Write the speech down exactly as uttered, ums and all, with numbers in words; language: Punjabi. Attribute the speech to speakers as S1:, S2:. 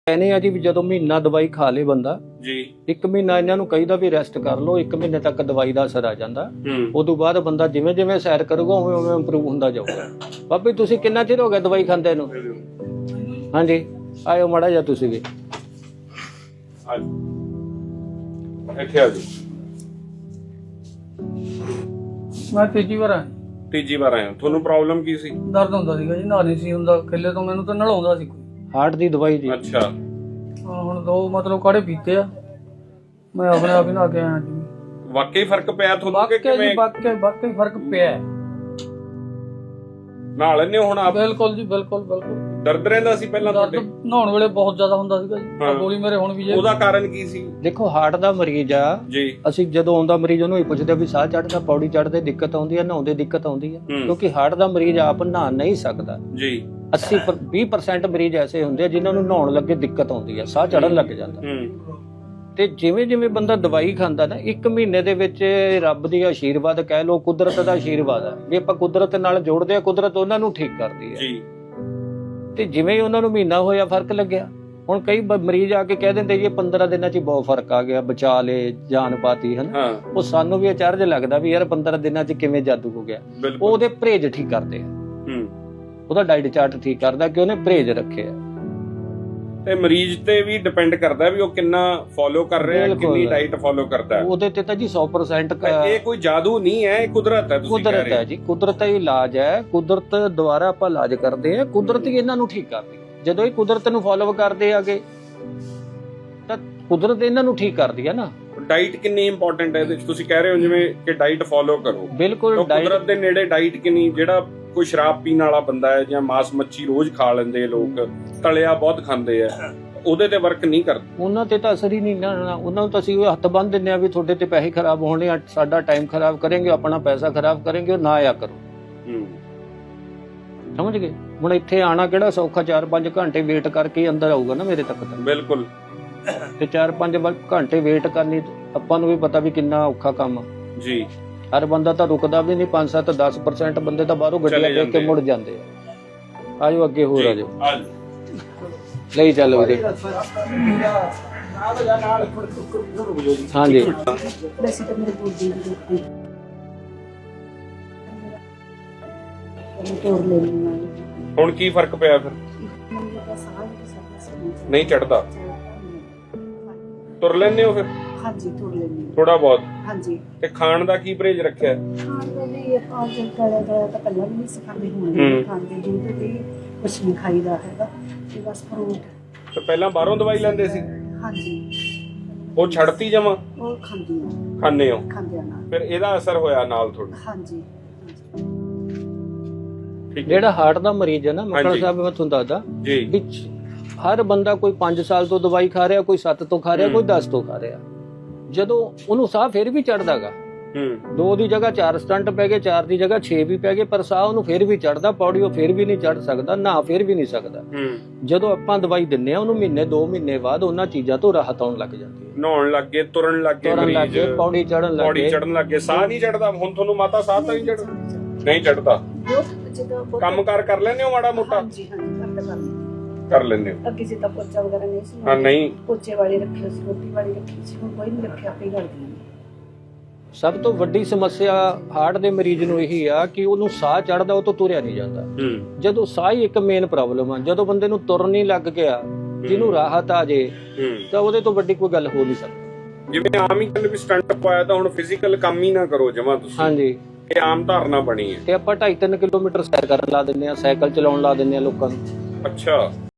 S1: कहने आ जी भी जदों महीना दवाई खा ले बंदा
S2: जी
S1: एक महीना इन्हां नूं कहीदा भी रेस्ट कर लो, एक महीने तक दवाई दा असर आ जांदा। उदों बाद बंदा जिवें जिवें सैर करूगा उवें उवें इंप्रूव हुंदा जाऊगा। बाबी तुसीं किन्ना चिर हो गया दवाई खांदे नूं? हाँ जी आयो माड़ा जिहा तुसीं भी
S2: ਇੱਥੇ ਆ ਜਾਓ।
S3: ਮੈਂ ਤੀਜੀ ਵਾਰ ਆਇਆ।
S2: ਤੀਜੀ ਵਾਰ ਆਏ ਹੋ, ਤੁਹਾਨੂੰ ਪ੍ਰੋਬਲਮ ਕੀ ਸੀ?
S3: ਦਰਦ ਹੁੰਦਾ ਸੀਗਾ ਜੀ, ਨਹਾ ਨਹੀਂ ਸੀ ਹੁੰਦਾ, ਕਿੱਲੇ ਤੋਂ ਮੈਨੂੰ ਤਾਂ ਨਲਾਉਂਦਾ ਸੀ ਕੋਈ।
S1: हार्ट दी दवाई जी?
S2: ਅੱਛਾ
S3: ਹਾਂ, ਹੁਣ ਦੋ ਮਤਲਬ ਕਾੜੇ ਪੀਤੇ ਆ, ਮੈਂ ਆਪਣੇ ਆਪ ਹੀ ਨਹਾ ਕੇ ਆਇਆ ਜੀ।
S2: ਵਾਕਈ ਫਰਕ ਪਿਆ ਤੁਹਾਨੂੰ ਕਿ
S3: ਵਾਕਈ ਜੀ,
S2: ਕਿਵੇਂ?
S3: ਵਾਕਈ ਵਾਕਈ ਫਰਕ ਪਿਆ ਹੈ।
S2: ਨਹਾ ਲੈਂਦੇ ਹੋ ਹੁਣ ਆਪ?
S3: ਬਿਲਕੁਲ ਜੀ, ਬਿਲਕੁਲ ਬਿਲਕੁਲ।
S2: ਦਰਦ ਰਹਿੰਦਾ ਸੀ ਪਹਿਲਾਂ
S3: ਦਰਦ
S2: ਤੁਹਾਡੇ?
S3: ਨਹਾਉਣ ਵੇਲੇ ਬਹੁਤ ਜ਼ਿਆਦਾ ਹੁੰਦਾ ਸੀਗਾ ਜੀ,
S2: ਹਾਂ।
S3: ਗੋਲੀ ਮੇਰੇ ਹੁਣ ਵੀ ਜੇ।
S2: ਉਹਦਾ ਕਾਰਨ ਕੀ ਸੀ?
S1: देखो हार्ट दा मरीज आ
S2: जी
S1: ਅਸੀਂ ਜਦੋਂ ਆਉਂਦਾ ਮਰੀਜ਼ ਉਹਨੂੰ ਹੀ ਪੁੱਛਦੇ ਵੀ ਸਾਹ ਚੜਦਾ, ਪੌੜੀ ਚੜਦੇ ਦਿੱਕਤ ਆਉਂਦੀ ਹੈ, ਨਹਾਉਂਦੇ ਦਿੱਕਤ ਆਉਂਦੀ ਹੈ,
S2: ਹੂੰ।
S1: ਕਿਉਂਕਿ ਹਾਰਟ ਦਾ ਮਰੀਜ਼ ਆਪ ਨਹਾ ਨਹੀਂ ਸਕਦਾ।
S2: ਜੀ
S1: अस्सी ਵੀਹ ਪਰਸੈਂਟ ਮਰੀਜ਼ ਐਸੇ ਹੁੰਦੇ ਆ ਜਿਨ੍ਹਾਂ ਨੂੰ ਨਹਾਉਣ ਲੱਗੇ ਦਿੱਕਤ ਆਉਂਦੀ ਹੈ, ਸਾਹ ਚੜਨ ਲੱਗ ਜਾਂਦਾ।
S2: ਹੂੰ
S1: ਤੇ ਜਿਵੇਂ ਜਿਵੇਂ ਬੰਦਾ ਦਵਾਈ ਖਾਂਦਾ ਨਾ ਇੱਕ ਮਹੀਨੇ ਦੇ ਵਿੱਚ ਰੱਬ ਦੀ ਆਸ਼ੀਰਵਾਦ ਕਹਿ ਲੋ, ਕੁਦਰਤ ਦਾ ਆਸ਼ੀਰਵਾਦ ਹੈ ਵੀ ਆਪਾਂ ਕੁਦਰਤ ਨਾਲ ਜੋੜਦੇ ਆ, ਕੁਦਰਤ ਉਹਨਾਂ ਨੂੰ ਠੀਕ ਕਰਦੀ ਹੈ।
S2: ਜੀ
S1: ਤੇ ਜਿਵੇਂ ਹੀ ਉਹਨਾਂ ਨੂੰ ਮਹੀਨਾ ਹੋਇਆ ਫਰਕ ਲੱਗਿਆ। ਹੁਣ ਕਈ ਬ- ਮਰੀਜ਼ ਆ ਕੇ ਕਹਿ ਦਿੰਦੇ ਜੀ ਪੰਦਰਾਂ ਦਿਨਾਂ 'ਚ ਹੀ ਬਹੁਤ ਫਰਕ ਆ ਗਿਆ, ਬਚਾ ਲੇ ਜਾਨ ਪਾਤੀ ਹਨ।
S2: ਹਾਂ
S1: ਉਹ ਸਾਨੂੰ ਵੀ ਅਚਰਜ ਲੱਗਦਾ ਵੀ ਯਾਰ ਪੰਦਰਾਂ ਦਿਨਾਂ 'ਚ ਕਿਵੇਂ ਜਾਦੂ ਹੋ ਗਿਆ। ਉਹ
S2: ਬਿਲਕੁਲ।
S1: ਉਹਦੇ ਪਰਹੇਜ ਠੀਕ ਕਰਦੇ ਆ,
S2: ਹੂੰ
S1: ਉਹਦਾ ਡਾਈਟ ਚਾਰਟ ਠੀਕ ਕਰਦਾ ਕਿ ਉਹਨੇ ਪਰਹੇਜ ਰੱਖਿਆ।
S2: ਤੇ ਮਰੀਜ਼ ਤੇ ਵੀ ਡਿਪੈਂਡ ਕਰਦਾ ਵੀ ਉਹ ਕਿੰਨਾ ਫੋਲੋ ਕਰ ਰਿਹਾ,
S1: ਬਿਲਕੁਲ।
S2: ਕਿੰਨੀ ਡਾਈਟ ਫੋਲੋ ਕਰਦਾ ਹੈ।
S1: ਉਹਦੇ ਤੇ ਤਾਂ ਜੀ ਸੌ ਪਰਸੈਂਟ
S2: ਇਹ ਕੋਈ ਜਾਦੂ ਨਹੀਂ ਹੈ, ਇਹ ਕੁਦਰਤ ਹੈ। ਤੁਸੀਂ ਕਹਿ
S1: ਕੁਦਰਤ
S2: ਰਹੇ
S1: ਹੈ ਜੀ, ਕੁਦਰਤ ਦਾ ਇਲਾਜ ਹੈ। ਕੁਦਰਤ ਦੁਆਰਾ ਆਪਾਂ ਇਲਾਜ ਕਰਦੇ ਆ, ਕੁਦਰਤ ਹੀ ਇਹਨਾਂ ਨੂੰ ਠੀਕ ਕਰਦੀ ਹੈ। ਜਦੋਂ ਇਹ ਕੁਦਰਤ ਨੂੰ ਫੋਲੋ ਕਰਦੇ ਆਗੇ ਤਾਂ ਕੁਦਰਤ ਇਹਨਾਂ ਨੂੰ ਠੀਕ ਕਰਦੀ ਹੈ ਨਾ।
S2: ਡਾਈਟ ਕਿੰਨੀ ਇੰਪੋਰਟੈਂਟ ਹੈ ਇਹਦੇ ਵਿੱਚ? ਤੁਸੀਂ ਕਹਿ ਰਹੇ ਹੋ ਜਿਵੇਂ ਕਿ ਡਾਈਟ ਫੋਲੋ ਕਰੋ,
S1: ਬਿਲਕੁਲ
S2: ਤਾਂ
S1: ਡਾਈਟ
S2: ਕੁਦਰਤ ਦੇ ਨੇੜੇ ਡਾਈਟ ਕਿੰਨੀ? ਜਿਹੜਾ ਕੋਈ ਸ਼ਰਾਬ ਪੀਣ ਵਾਲਾ ਬੰਦਾ ਹੈ ਜਾਂ ਮਾਸ ਮੱਛੀ ਰੋਜ਼ ਖਾ ਲੈਂਦੇ ਲੋਕ, ਤਲਿਆ ਬਹੁਤ ਖਾਂਦੇ ਆ, ਉਹਦੇ ਤੇ ਵਰਕ ਨਹੀਂ ਕਰਦਾ।
S1: ਉਹਨਾਂ ਤੇ ਤਾਂ ਅਸਰ ਹੀ ਨਹੀਂ ਨਾ। ਉਹਨਾਂ ਨੂੰ ਤਾਂ ਅਸੀਂ ਹੱਥ ਬੰਨ੍ਹ ਦਿੰਦੇ ਆ ਵੀ ਤੁਹਾਡੇ ਤੇ ਪੈਸੇ ਖਰਾਬ ਹੋਣੇ ਆ, ਸਾਡਾ ਟਾਈਮ ਖਰਾਬ ਕਰਨਗੇ, ਆਪਣਾ ਪੈਸਾ ਖਰਾਬ ਕਰਨਗੇ, ਉਹ ਨਾ ਆਇਆ ਕਰੋ।
S2: ਹੂੰ
S1: ਸਮਝ ਗਏ? ਹੁਣ ਇੱਥੇ ਆਣਾ ਕਿਹੜਾ ਸੌਖਾ, ਚਾਰ ਪੰਜ ਘੰਟੇ ਵੇਟ ਕਰਕੇ ਹੀ ਅੰਦਰ ਆਊਗਾ ਨਾ ਮੇਰੇ ਤੱਕ ਤਾਂ।
S2: ਬਿਲਕੁਲ।
S1: ਤੇ ਚਾਰ ਪੰਜ ਘੰਟੇ ਵੇਟ ਕਰਨੀ ਆਪਾਂ ਨੂੰ ਵੀ ਪਤਾ ਵੀ ਕਿੰਨਾ ਔਖਾ ਕੰਮ ਆ।
S2: ਜੀ
S1: ਹਰ ਬੰਦਾ ਤਾਂ ਰੁਕਦਾ ਵੀ ਨਹੀਂ, ਪੰਜ ਸੱਤ ਦਸ ਪਰਸੈਂਟ ਬੰਦੇ ਤਾਂ ਬਾਹਰੋਂ ਗੱਡੀਆਂ ਦੇਖ ਕੇ ਮੁੜ ਜਾਂਦੇ ਆ। ਆਜੋ ਅੱਗੇ ਹੋਰ ਆਜੋ, ਲਈ ਚੱਲ ਵੀਰੇ। ਹਾਂਜੀ
S4: ਵੈਸੇ ਤਾਂ ਮੇਰੇ ਗੋਡੀ ਦੀ ਦੁੱਖਦੀ ਤੋੜ ਲੈਣੀ ਨਾਲ
S2: ਹੁਣ ਕੀ ਫਰਕ ਪਿਆ ਫਿਰ?
S4: ਮੈਨੂੰ ਲੱਗਾ ਸਾਹ ਨਹੀਂ ਸਕਦਾ।
S2: ਨਹੀਂ ਚੜਦਾ? ਤੁਰ ਲੈਂਦੇ ਹੋ ਫਿਰ?
S4: ਹਾਂਜੀ ਤੋੜ ਲੈਣੀ
S2: ਥੋੜਾ ਬਹੁਤ?
S4: ਹਾਂਜੀ।
S2: ਤੇ ਖਾਣ ਦਾ ਕੀ ਪਰਹੇਜ ਰੱਖਿਆ?
S4: ਖਾਣ ਵੇਲੇ ਆਪਾਂ ਜਦ ਕਰਿਆ ਕਰਿਆ ਤਾਂ ਪਹਿਲਾਂ ਵੀ ਨਹੀਂ ਸਿਖਾਉਂਦੇ, ਹੁਣ
S2: ਹੂੰ।
S4: ਵੀ ਖਾਂਦੇ ਦੁੱਧ ਵੀ ਕੁਛ ਨਹੀਂ ਖਾਈਦਾ ਹੈਗਾ ਤੇ ਬਸ ਫਰੂਟ।
S2: ਤੇ ਪਹਿਲਾਂ ਬਾਹਰੋਂ ਦਵਾਈ ਲੈਂਦੇ ਸੀ,
S4: ਹਾਂਜੀ
S2: ਉਹ ਛੱਡਤੀ ਜਮਾ?
S4: ਉਹ ਖਾਂਦੀ ਆ,
S2: ਖਾਂਦੇ ਹੋ?
S4: ਖਾਂਦੇ ਆ ਨਾਲ।
S2: ਫਿਰ ਇਹਦਾ ਅਸਰ ਹੋਇਆ ਨਾਲ ਤੁਹਾਡਾ?
S4: ਹਾਂਜੀ
S2: ਠੀਕ ਹੈ
S1: ਜਿਹੜਾ ਹਾਰਟ ਦਾ ਮਰੀਜ਼ ਹੈ ਨਾ ਮੱਕੜ
S2: ਹਾਂਜੀ।
S1: ਸਾਹਿਬ, ਮੈਂ ਤੁਹਾਨੂੰ ਦੱਸਦਾ
S2: ਜੀ।
S1: ਵੀ ਹਰ ਬੰਦਾ ਕੋਈ ਪੰਜ ਸਾਲ ਤੋਂ ਦਵਾਈ ਖਾ ਰਿਹਾ, ਕੋਈ ਸੱਤ ਤੋਂ ਖਾ ਰਿਹਾ,
S2: ਹੂੰ।
S1: ਕੋਈ ਦਸ ਤੋਂ ਖਾ ਰਿਹਾ। ਜਦੋਂ ਉਹਨੂੰ ਸਾਹ ਫਿਰ ਵੀ ਚੜਦਾਗਾ,
S2: ਹੂੰ
S1: ਦੋ ਦੀ ਜਗ੍ਹਾ ਚਾਰ ਸਟੰਟ ਪੈ ਗਏ, ਚਾਰ ਦੀ ਜਗ੍ਹਾ ਛੇ ਵੀ ਪੈ ਗਏ, ਪਰ ਸਾਹ ਉਹਨੂੰ ਫਿਰ ਵੀ ਚੜਦਾ, ਪੌੜੀ ਉਹ ਫਿਰ ਵੀ ਨਹੀਂ ਚੜ ਸਕਦਾ, ਨਾ ਫਿਰ ਵੀ ਨਹੀਂ ਸਕਦਾ।
S2: ਹੂੰ
S1: ਜਦੋਂ ਆਪਾਂ ਦਵਾਈ ਦਿੰਨੇ ਆ ਉਹਨੂੰ ਮਹੀਨੇ ਦੋ ਮਹੀਨੇ ਬਾਅਦ ਉਹਨਾਂ ਚੀਜ਼ਾਂ ਤੋਂ ਰਾਹਤ ਆਉਣ ਲੱਗ ਜਾਂਦੀ ਹੈ।
S2: ਨਹਾਉਣ ਲੱਗ ਗਏ, ਤੁਰਨ ਲੱਗ ਗਏ,
S1: ਤੁਰਨ ਲੱਗ
S2: ਮਰੀਜ਼
S1: ਗਏ, ਪੌੜੀ ਚੜਨ ਲੱਗ
S2: ਪੌੜੀ
S1: ਗਏ।
S2: ਚੜਨ ਲੱਗ ਗਏ, ਸਾਹ ਨਹੀਂ ਚੜਦਾ ਹੁਣ ਤੁਹਾਨੂੰ? ਮਾਤਾ ਸਾਹ ਤਾਂ ਨਹੀਂ ਚੜ ਨਹੀਂ ਚੜਦਾ?
S4: ਬਹੁਤ ਜਦੋਂ ਬਹੁਤ-
S2: ਕੰਮ ਕਾਰ ਕਰ ਲੈਂਦੇ ਹੋ ਮਾੜਾ ਮੋਟਾ?
S4: ਹਾਂਜੀ ਹਾਂਜੀ ਕਰਦਾ ਕਰਦਾ।
S2: ਕਰ ਲੈਂਦੇ ਹੋ?
S4: ਅੱਗੇ ਜਿੱਦਾਂ ਪੋਚਾ ਵਗੈਰਾ ਨਹੀਂ ਸੀ,
S2: ਹਾਂ ਨਹੀਂ
S4: ਪੋਚੇ ਵਾਲੀ ਰੱਖੀ ਸੀ, ਰੋਟੀ ਵਾਲੀ ਰੱਖੀ ਸੀ, ਹੁਣ ਕੋਈ ਨਹੀਂ ਰੱਖਿਆ, ਆਪੇ ਹੀ ਕਰਦੀ ਹਾਂ।
S1: ਸਭ ਤੋਂ ਵੱਡੀ ਸਮੱਸਿਆ ਹਾਰਟ ਦੇ ਮਰੀਜ਼ ਨੂੰ ਇਹੀ ਆ ਕਿ ਉਹਨੂੰ ਸਾਹ ਚੜਦਾ, ਉਹ ਤੋਂ ਤੁਰਿਆ ਨਹੀਂ ਜਾਂਦਾ।
S2: ਹੂੰ
S1: ਜਦੋਂ ਸਾਹ ਹੀ ਇੱਕ ਮੇਨ ਪ੍ਰੋਬਲਮ ਆ, ਜਦੋਂ ਬੰਦੇ ਨੂੰ ਤੁਰਨ ਨਹੀਂ ਲੱਗ ਗਿਆ, ਜਿਹਨੂੰ ਰਾਹਤ ਆ ਜੇ,
S2: ਹੂੰ
S1: ਤਾਂ ਉਹਦੇ ਤੋਂ ਵੱਡੀ ਕੋਈ ਗੱਲ ਹੋ ਨਹੀਂ ਸਕਦੀ।
S2: ਜਿਵੇਂ ਆਮ ਹੀ ਕਹਿੰਦੇ ਵੀ ਸਟੰਟ ਪਾਇਆ ਤਾਂ ਹੁਣ ਫਿਜ਼ੀਕਲ ਕੰਮ ਹੀ ਨਾ ਕਰੋ ਜਮਾ ਤੁਸੀਂ,
S1: ਹਾਂਜੀ,
S2: ਇਹ ਆਮ ਧਾਰਨਾ ਬਣੀ ਹੈ।
S1: ਤੇ ਆਪਾਂ ਢਾਈ ਤਿੰਨ ਕਿਲੋਮੀਟਰ ਸੈਰ ਕਰਨ ਲਾ ਦਿੰਦੇ ਆ, ਸਾਈਕਲ ਚਲਾਉਣ ਲਾ ਦਿੰਦੇ ਆ ਲੋਕਾਂ ਨੂੰ।
S2: ਅੱਛਾ